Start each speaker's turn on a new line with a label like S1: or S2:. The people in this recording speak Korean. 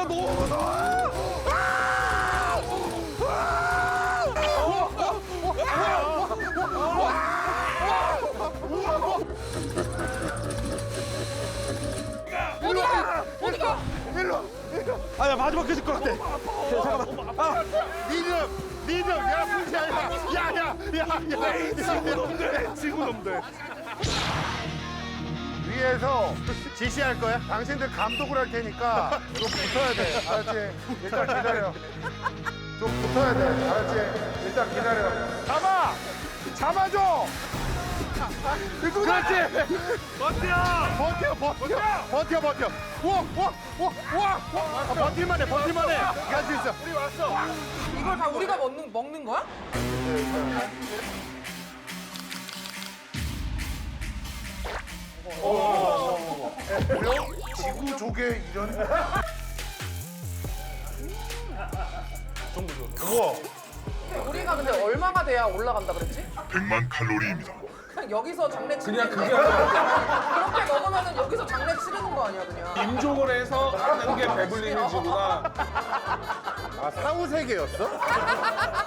S1: 너무 무서워. 아야 마지막 깨질 것 같아. 잠깐만.
S2: 니들 야 문제야. 야야야야.
S1: 친구놈들.
S2: 위에서 지시할 거야. 당신들 감독을 할 테니까 좀 붙어야 돼. 알았지? 일단 기다려. 좀 붙어야 돼. 알았지? 일단 기다려. 잡아줘. 그렇지. 버텨. 와. 버틸만 해. 갈 수 있어. 우리 왔어.
S3: 이걸 다 우리가 먹는 거야?
S2: 지구 조개 이런. 우와.
S3: 우리가 근데 얼마가 돼야 올라간다 그랬지?
S4: 100만 칼로리입니다.
S3: 그냥 여기서 장례 치는 그냥 그게 아니라 그렇게 먹으면은 여기서 장례 치르는 거 아니야 그냥?
S1: 임종을 해서 하는 게 배불리는 지구나.
S2: 아 사후세계였어?